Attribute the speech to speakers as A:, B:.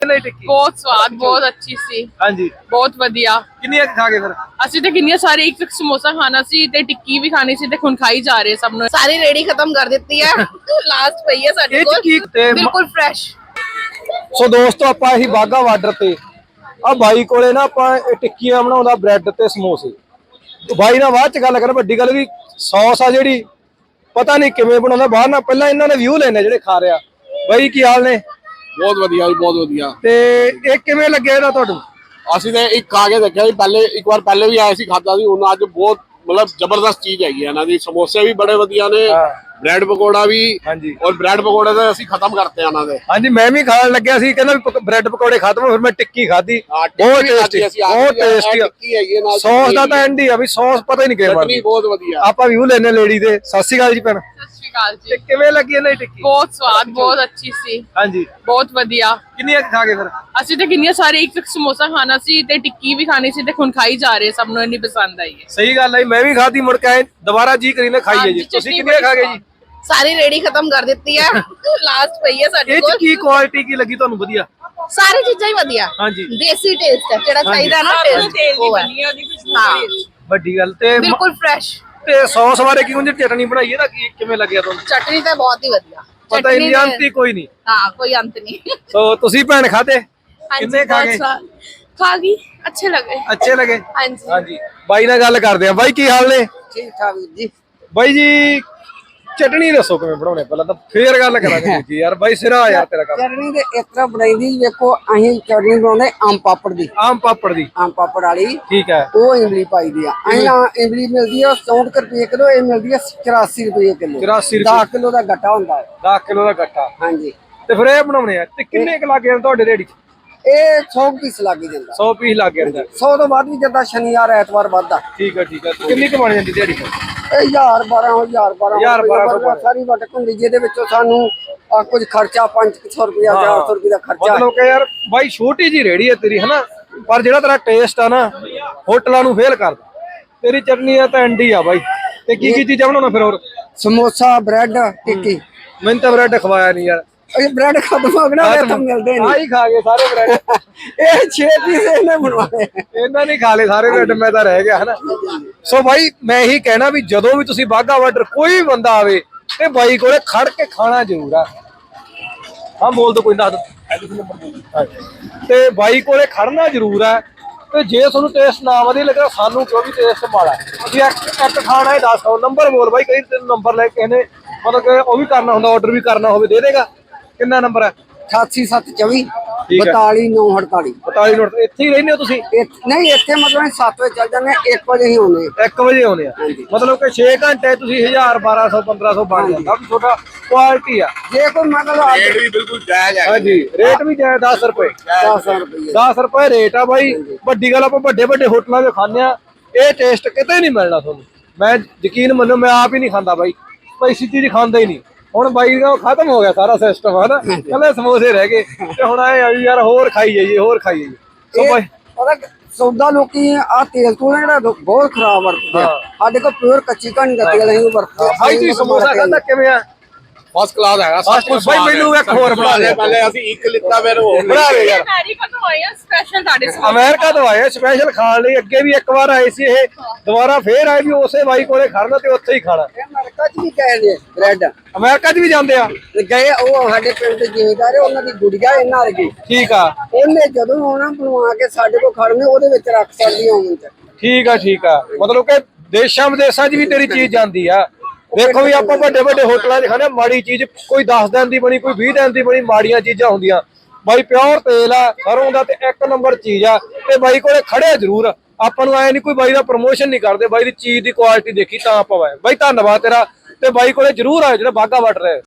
A: टिक्की
B: बहुत स्वाद, बहुत अच्छी सी,
A: हाँ जी
B: बहुत वधिया।
A: किन्नियां खा गए फिर
B: ਅਸੀਂ ਤੇ ਕਿੰਨੀਆਂ ਸਾਰੇ ਇੱਕ ਸਮੋਸਾ ਖਾਣਾ ਸੀ ਤੇ ਟਿੱਕੀ ਵੀ ਖਾਣੀ ਸੀ ਤੇ ਹੁਣ ਖਾਈ ਜਾ ਰਹੇ ਸਭ ਨੂੰ। ਸਾਰੀ ਰੇੜੀ ਖਤਮ ਕਰ ਦਿੱਤੀ ਹੈ। ਲਾਸਟ ਪਈ ਹੈ ਸਾਡੇ
A: ਇਹ
B: ਕੋਲ,
A: ਟਿੱਕੀ ਤੇ
B: ਬਿਲਕੁਲ ਫਰੈਸ਼।
A: ਸੋ ਦੋਸਤੋ ਆਪਾਂ ਇਹੀ ਬਾਗਾ ਬਾਰਡਰ ਤੇ ਆ ਬਾਈ ਕੋਲੇ ਨਾ ਆਪਾਂ ਟਿੱਕੀਆਂ ਬਣਾਉਂਦਾ ਬ੍ਰੈਡ ਤੇ ਸਮੋਸੇ। ਬਾਈ ਨਾਲ ਬਾਅਦ ਚ ਗੱਲ ਕਰ, ਵੱਡੀ ਗੱਲ ਵੀ ਸੌਸ ਆ ਜਿਹੜੀ ਪਤਾ ਨਹੀਂ ਕਿਵੇਂ ਬਣਾਉਂਦਾ ਬਾਹਰ ਨਾਲ। ਪਹਿਲਾਂ ਇਹਨਾਂ ਨੇ ਵਿਊ ਲੈਣੇ ਜਿਹੜੇ ਖਾ ਰਿਹਾ। ਬਾਈ ਕੀ ਹਾਲ ਨੇ?
C: ਬਹੁਤ ਵਧੀਆ ਜੀ, ਬਹੁਤ ਵਧੀਆ।
A: ਤੇ ਇਹ ਕਿਵੇਂ ਲੱਗਿਆ ਇਹਦਾ ਤੁਹਾਨੂੰ?
C: ਅਸੀਂ ਤੇ ਇੱਕ ਖਾ ਕੇ ਦੇਖਿਆ ਜੀ, ਪਹਿਲੇ ਇੱਕ ਵਾਰ ਪਹਿਲੇ ਵੀ ਆਏ ਸੀ, ਖਾਦਾ ਸੀ। ਹੁਣ ਅੱਜ ਬਹੁਤ ਮਤਲਬ ਜ਼ਬਰਦਸਤ ਚੀਜ਼ ਹੈਗੀ ਇਹਨਾਂ ਦੀ। ਸਮੋਸੇ ਵੀ ਬੜੇ ਵਧੀਆ ਨੇ, ਬ੍ਰੈਡ ਪਕੌੜਾ ਵੀ।
A: ਹਾਂਜੀ,
C: ਔਰ ਬ੍ਰੈਡ ਪਕੌੜੇ ਤਾਂ ਅਸੀਂ ਖਤਮ ਕਰਤੇ ਇਹਨਾਂ ਦੇ।
A: ਹਾਂਜੀ ਮੈਂ ਵੀ ਖਾਣ ਲੱਗਿਆ ਸੀ, ਕਹਿੰਦਾ ਵੀ ਬ੍ਰੈਡ ਪਕੌੜੇ ਖਤਮ, ਫਿਰ ਮੈਂ ਟਿੱਕੀ ਖਾਧੀ। ਬਹੁਤ ਟੇਸਟੀ, ਬਹੁਤ ਟੇਸਟੀ।
C: ਟਿੱਕੀ ਹੈਗੀ ਹੈ ਨਾਲ,
A: ਸੌਸ ਦਾ ਤਾਂ ਐਂਡ ਹੀ ਆ ਵੀ ਸੌਸ ਪਤਾ ਹੀ ਨਹੀਂ ਕਿਵੇਂ ਬਣਦੀ।
C: ਬਹੁਤ ਵਧੀਆ।
A: ਆਪਾਂ ਵਿਊ ਲੈਣੇ ਲੇਡੀ ਦੇ। ਸਤਿ ਸ਼੍ਰੀ ਅਕਾਲ ਜੀ ਭੈਣ।
B: ਸਤਿ ਸ਼੍ਰੀ ਅਕਾਲ
A: ਤੇ
B: ਜੀ।
A: ਕਿਵੇਂ ਲੱਗੀ ਇਹਨਾਂ ਦੀ ਟਿੱਕੀ?
B: ਬਹੁਤ ਸਵਾਦ, ਬਹੁਤ ਅੱਛੀ ਸੀ,
A: ਹਾਂਜੀ
B: ਬਹੁਤ ਵਧੀਆ।
A: ਕਿੰਨੀਆਂ ਖਾ ਗਏ ਫਿਰ?
B: ਅਸੀਂ ਤੇ ਕਿੰਨੀਆਂ ਸਾਰੇ ਇੱਕ ਸਮੋਸਾ ਖਾਣਾ ਸੀ ਤੇ ਟਿੱਕੀ ਵੀ ਖਾਣੀ ਸੀ ਤੇ ਹੁਣ ਖਾਈ ਜਾ ਰਹੇ ਸਭ ਨੂੰ। ਇੰਨੀ ਪਸੰਦ ਆਈ ਹੈ।
A: ਸਹੀ ਗੱਲ ਹੈ, ਮੈਂ ਵੀ ਖਾਧੀ, ਮੁੜ ਕੇ ਆਏ ਦੁਬਾਰਾ ਜੀ ਕਰੀ ਨਾ ਖਾਈਏ ਜੀ। ਤੁਸੀਂ ਕਿੰਨੀਆਂ ਖਾ ਗਏ ਜੀ?
B: ਸਾਰੀ ਰੇੜੀ ਖਤਮ ਕਰ ਦਿੱਤੀ ਹੈ। ਲਾਸਟ ਪਈ ਹੈ ਸਾਡੇ
A: ਇਹ
B: ਕੋਲ।
A: ਚ ਕੀ ਕੁਆਲਿਟੀ ਕੀ ਲੱਗੀ ਤੁਹਾਨੂੰ ਵਧੀਆ?
B: ਸਾਰੀ ਚੀਜ਼ਾਂ ਹੀ ਵਧੀਆ,
A: ਹਾਂਜੀ
B: ਦੇਸੀ ਟੇਸਟ ਹੈ ਜਿਹੜਾ ਚਾਹੀਦਾ ਨਾ, ਟੇਸਟ ਉਹ ਹੈ। ਹਾਂ,
A: ਵੱਡੀ ਗੱਲ। ਤੇ
B: ਬਿਲਕੁਲ ਫਰੈਸ਼।
A: ਤੇ ਸੌਸ ਬਾਰੇ ਕੀ ਹੁੰਦੀ? ਚਟਨੀ ਬਣਾਈ ਇਹਦਾ ਕੀ ਕਿਵੇਂ ਲੱਗਿਆ ਤੁਹਾਨੂੰ?
B: ਚਟਨੀ ਤਾਂ ਬਹੁਤ ਹੀ ਵਧੀਆ।
A: ਪਤਾ ਹੀ ਨਹੀਂ, ਅੰਤ ਹੀ ਕੋਈ ਨਹੀਂ।
B: ਹਾਂ, ਕੋਈ ਅੰਤ ਨਹੀਂ।
A: ਸੋ ਤੁਸੀਂ ਭੈਣ ਖਾਦੇ? ਕਿੰਨੇ ਖਾ ਗਏ?
B: ਖਾ ਗਈ, ਅੱਛੇ ਲੱਗੇ।
A: ਅੱਛੇ ਲੱਗੇ?
B: ਹਾਂਜੀ
A: ਹਾਂਜੀ ਬਾਈ ਨਾਲ ਗੱਲ ਕਰਦੇ ਆ। ਬਾਈ ਕੀ ਹਾਲ ਨੇ?
D: ਠੀਕ ਠਾਕ ਜੀ।
A: ਬਾਈ ਜੀ ਚਟਨੀ ਦੱਸੋ ਕਿਵੇਂ ਬਣਾਉਣੇ, ਪਹਿਲਾਂ ਤਾਂ ਫੇਰ ਗੱਲ ਕਰਾਂਗੇ ਜੀ। ਯਾਰ ਬਾਈ ਸਿਰਾ ਯਾਰ ਤੇਰਾ ਕੰਮ।
D: ਚਟਨੀ ਤੇ ਇਸ ਤਰ੍ਹਾਂ ਬਣਾਈਦੀ, ਵੇਖੋ ਅਸੀਂ ਚਟਨੀ ਬਣਾਉਂਦੇ ਆਮ ਪਾਪੜ ਦੀ।
A: ਆਮ ਪਾਪੜ ਦੀ?
D: ਆਮ ਪਾਪੜ ਵਾਲੀ
A: ਠੀਕ ਹੈ।
D: ਉਹ ਇਮਲੀ ਪਾਈਦੀ ਆ। ਅਸੀਂ ਇਮਲੀ ਮਿਲਦੀ ਆ 64 ਰੁਪਏ ਕਿਲੋ, ਇਹ ਮਿਲਦੀ ਆ 84 ਰੁਪਏ ਕਿਲੋ।
A: 84
D: 10 ਕਿਲੋ ਦਾ ਗੱਟਾ ਹੁੰਦਾ ਹੈ।
A: 10 ਕਿਲੋ ਦਾ ਗੱਟਾ।
D: ਹਾਂਜੀ,
A: ਤੇ ਫਿਰ ਇਹ ਬਣਾਉਣੇ ਆ ਤੇ ਕਿੰਨੇ ਕੁ ਲੱਗ ਗਏ ਤੁਹਾਡੇ ਰੇੜੀ 'ਚ?
D: ਇਹ 100 ਪੀਸ ਲੱਗ ਹੀ ਜਾਂਦਾ।
A: 100 ਪੀਸ ਲੱਗ ਗਏ ਅੰਦਰ।
D: 100 ਤੋਂ ਵੱਧ ਵੀ ਜਾਂਦਾ, ਸ਼ਨੀਵਾਰ ਐਤਵਾਰ ਵੱਧਦਾ।
A: ਠੀਕ ਹੈ, ਠੀਕ ਹੈ। ਕਿੰਨੀ ਕੁ ਬਣ ਜਾਂਦੀ ਦਿਹਾੜੀ?
D: ਇਹ 1000 ਸਾਰੀ ਵਟਕ ਹੁੰਦੀ, ਜਿਹਦੇ ਵਿੱਚੋਂ ਸਾਨੂੰ ਕੁਝ ਖਰਚਾ 500 ਰੁਪਇਆ 400 ਰੁਪਏ ਦਾ ਖਰਚਾ।
A: ਮਤਲਬ ਕਿ ਯਾਰ ਬਾਈ ਛੋਟੀ ਜੀ ਰੇੜੀ ਹੈ ਤੇਰੀ, ਹਨਾ? ਪਰ ਜਿਹੜਾ ਤੇਰਾ ਟੇਸਟ ਆ ਨਾ ਹੋਟਲਾਂ ਨੂੰ ਫੇਲ ਕਰਦਾ। ਤੇਰੀ ਚਟਨੀ ਆ ਤਾਂ ਐਂਡੀ ਆ ਬਾਈ। ਤੇ ਕੀ ਕੀ ਚੀਜ਼ਾਂ ਬਣਾਉਣਾ ਫਿਰ ਹੋਰ?
D: ਸਮੋਸਾ, ਬ੍ਰੈਡ, ਟਿੱਕੀ।
A: ਮੈਨੂੰ ਤਾਂ ਬ੍ਰੈਡ ਖਵਾਇਆ ਨਹੀਂ ਯਾਰ।
D: ਇਹ ਬ੍ਰੈਡ ਖਤਮ ਹੋ ਗਿਆ ਨਾ, ਇੱਥੋਂ ਮਿਲਦੇ ਨਹੀਂ।
A: ਆਹੀ ਖਾ ਗਏ ਸਾਰੇ ਬ੍ਰੈਡ।
D: ਇਹ 6 ਪੀਸ ਇਹਨੇ ਬਣਵਾਏ।
A: ਇਹਨਾਂ ਨੇ ਖਾ ਲਏ ਸਾਰੇ ਬ੍ਰੈਡ, ਮੈਂ ਤਾਂ ਰਹਿ ਗਿਆ, ਹਨਾ? ਸੋ ਬਾਈ ਮੈਂ ਇਹੀ ਕਹਿਣਾ ਵੀ ਜਦੋਂ ਵੀ ਤੁਸੀਂ ਬਾਗਾ ਬਾਰਡਰ ਕੋਈ ਬੰਦਾ ਆਵੇ ਤੇ ਬਾਈ ਕੋਲੇ ਖੜ ਕੇ ਖਾਣਾ ਜ਼ਰੂਰ ਆ। ਹਾਂ ਬੋਲ ਦੋ, ਕੋਈ ਨਾ। ਤੇ ਬਾਈ ਕੋਲੇ ਖੜਨਾ ਜ਼ਰੂਰ ਆ। ਤੇ ਜੇ ਤੁਹਾਨੂੰ ਟੇਸਟ ਨਾ ਵਧੀਆ ਲੱਗਾ, ਸਾਨੂੰ ਕਿਉਂ ਵੀ ਟੇਸਟ ਮਾੜਾ। ਤੁਸੀਂ ਇੱਕ ਖਾਣਾ ਹੀ ਦੱਸ ਦਿਓ, ਨੰਬਰ ਬੋਲ ਬਾਈ। ਕਈ ਤੈਨੂੰ ਨੰਬਰ ਲੈ ਕੇ ਇਹਨੇ ਮਤਲਬ ਕਿ ਉਹ ਵੀ ਕਰਨਾ ਹੁੰਦਾ, ਆਰਡਰ ਵੀ ਕਰਨਾ ਹੋਵੇ, ਦੇ ਦੇਗਾ? ਕਿੰਨਾ ਨੰਬਰ ਹੈ?
D: 88724
A: ਠੀਕ ਹੈ।
D: 42948।
A: 42 ਨੋਟ। ਇੱਥੇ ਹੀ ਰਹਿੰਦੇ ਹੋ ਤੁਸੀਂ?
D: ਨਹੀਂ, ਇੱਥੇ ਮਤਲਬ 7 ਵਜੇ ਚੱਲ ਜਾਂਦੇ, 1 ਵਜੇ ਹੀ ਆਉਂਦੇ।
A: 1 ਵਜੇ ਆਉਂਦੇ ਆ? ਮਤਲਬ ਕਿ 6 ਘੰਟੇ ਤੁਸੀਂ 1000 1200 1500 ਬਣ ਜਾਂਦਾ ਵੀ ਤੁਹਾਡਾ। ਕੁਆਲਿਟੀ ਆ।
D: ਜੇ ਕੋਈ ਮਤਲਬ
C: ਰੇਟ ਵੀ ਬਿਲਕੁਲ ਜਾਇਜ਼ ਹੈ।
A: ਹਾਂਜੀ ਰੇਟ ਵੀ ਜਾਇਜ਼। 10 ਰੁਪਏ
D: 10 ਰੁਪਏ
A: 10 ਰੁਪਏ ਰੇਟ ਆ ਬਾਈ। ਵੱਡੀ ਗੱਲ, ਆਪਾਂ ਵੱਡੇ ਵੱਡੇ ਹੋਟਲਾਂ 'ਚ ਖਾਂਦੇ ਆ, ਇਹ ਟੇਸਟ ਕਿਤੇ ਨਹੀਂ ਮਿਲਣਾ ਤੁਹਾਨੂੰ। ਮੈਂ ਯਕੀਨ ਮੰਨੋ, ਮੈਂ ਆਪ ਹੀ ਨਹੀਂ ਖਾਂਦਾ ਬਾਈ। ਪੈਸੀ ਚੀਜ਼ ਖਾਂਦਾ ਹੀ ਨਹੀਂ। ਹੁਣ ਬਾਈ ਦਾ ਖਤਮ ਹੋ ਗਿਆ ਸਾਰਾ ਸਿਸਟਮ, ਹਨਾ? ਕੱਲੇ ਸਮੋਸੇ ਰਹਿ ਗਏ ਤੇ ਹੁਣ ਆਏ ਆ ਵੀ ਯਾਰ ਹੋਰ ਖਾਈ ਜਾਈਏ, ਹੋਰ ਖਾਈ ਜਾਈਏ। ਸੋ ਬਾਈ
D: ਪਤਾ ਸੌਦਾ ਲੋਕੀ ਆ ਤੇਲ ਤੋਂ ਜਿਹੜਾ ਬਹੁਤ ਖਰਾਬ ਵਰਤਦੇ ਆ। ਸਾਡੇ ਕੋਲ ਪਿਓਰ ਕੱਚੀ ਕਣੀ ਦਾ ਤੇਲ ਅਸੀਂ ਵਰਤਦੇ ਆ।
A: ਬਾਈ ਤੁਸੀਂ ਸਮੋਸਾ ਖਾਂਦਾ ਕਿਵੇਂ ਆ?
C: ਫਸਟ ਕਲਾਸ ਹੈਗਾ।
A: First class. ਬਾਈ ਮੈਨੂੰ ਇੱਕ ਹੋਰ ਬਣਾ ਦੇ।
C: ਪਹਿਲੇ ਅਸੀਂ ਇੱਕ ਲਿੱਤਾ, ਫਿਰ ਉਹ
A: ਬਣਾ ਦੇ ਯਾਰ।
B: ਅਮਰੀਕਾ ਤੋਂ ਆਏ ਆ ਸਪੈਸ਼ਲ ਤੁਹਾਡੇ ਲਈ।
A: ਅਮਰੀਕਾ ਤੋਂ ਆਏ ਸਪੈਸ਼ਲ ਖਾਣ ਲਈ। ਅੱਗੇ ਵੀ ਇੱਕ ਵਾਰ ਆਏ ਸੀ, ਇਹ ਦੁਬਾਰਾ ਫੇਰ ਆਏ ਵੀ ਉਸੇ ਬਾਈ ਕੋਲੇ ਖੜਨਾ ਤੇ ਉੱਥੇ ਹੀ ਖਾਣਾ।
D: ਅਮਰੀਕਾ 'ਚ ਵੀ ਗਏ ਨੇ ਬ੍ਰੈਡ।
A: ਅਮਰੀਕਾ 'ਚ ਵੀ ਜਾਂਦੇ ਆ?
D: ਗਏ, ਉਹ ਸਾਡੇ ਪਿੰਡ ਦੇ ਜ਼ਿਮੀਂਦਾਰ, ਉਹਨਾਂ ਦੀ ਗੁੜੀਆ ਇਹਨਾਂ ਵਰਗੀ।
A: ਠੀਕ ਆ।
D: ਉਹਨੇ ਜਦੋਂ ਆਉਣਾ ਬਣਵਾ ਕੇ ਸਾਡੇ ਕੋਲ ਖੜਨੇ, ਉਹਦੇ ਵਿੱਚ ਰੱਖ ਸਕਦੀ ਹੋਣ ਚ।
A: ਠੀਕ ਆ, ਠੀਕ ਆ। ਮਤਲਬ ਕਿ ਦੇਸ਼ਾਂ ਵਿਦੇਸ਼ਾਂ 'ਚ ਵੀ ਤੇਰੀ ਚੀਜ਼ ਜਾਂਦੀ ਆ। ਦੇਖੋ ਵੀ ਆਪਾਂ ਵੱਡੇ ਵੱਡੇ ਹੋਟਲਾਂ 'ਚ ਖਾਂਦੇ, ਮਾੜੀ ਚੀਜ਼ ਕੋਈ 10 ਦਿਨ ਦੀ ਬਣੀ, ਕੋਈ 20 ਦਿਨ ਦੀ ਬਣੀ, ਮਾੜੀਆਂ ਚੀਜ਼ਾਂ ਹੁੰਦੀਆਂ। ਬਾਈ ਪਿਓਰ ਤੇਲ ਆ ਸਰੋਂ ਦਾ ਤੇ 1 ਨੰਬਰ ਚੀਜ਼ ਆ। ਤੇ ਬਾਈ ਕੋਲੇ ਖੜਿਆ ਜ਼ਰੂਰ। ਆਪਾਂ ਨੂੰ ਆਏ ਨਹੀਂ ਕੋਈ ਬਾਈ ਦਾ ਪ੍ਰਮੋਸ਼ਨ ਨਹੀਂ ਕਰਦੇ, ਬਾਈ ਦੀ ਚੀਜ਼ ਦੀ ਕੁਆਲਿਟੀ ਦੇਖੀ ਤਾਂ ਆਪਾਂ ਆਏ। ਬਾਈ ਧੰਨਵਾਦ ਤੇਰਾ। ਤੇ ਬਾਈ ਕੋਲੇ ਜ਼ਰੂਰ ਆਏ ਜਿਹੜਾ ਬਾਗਾ ਬਾਰਡਰ ਹੈ।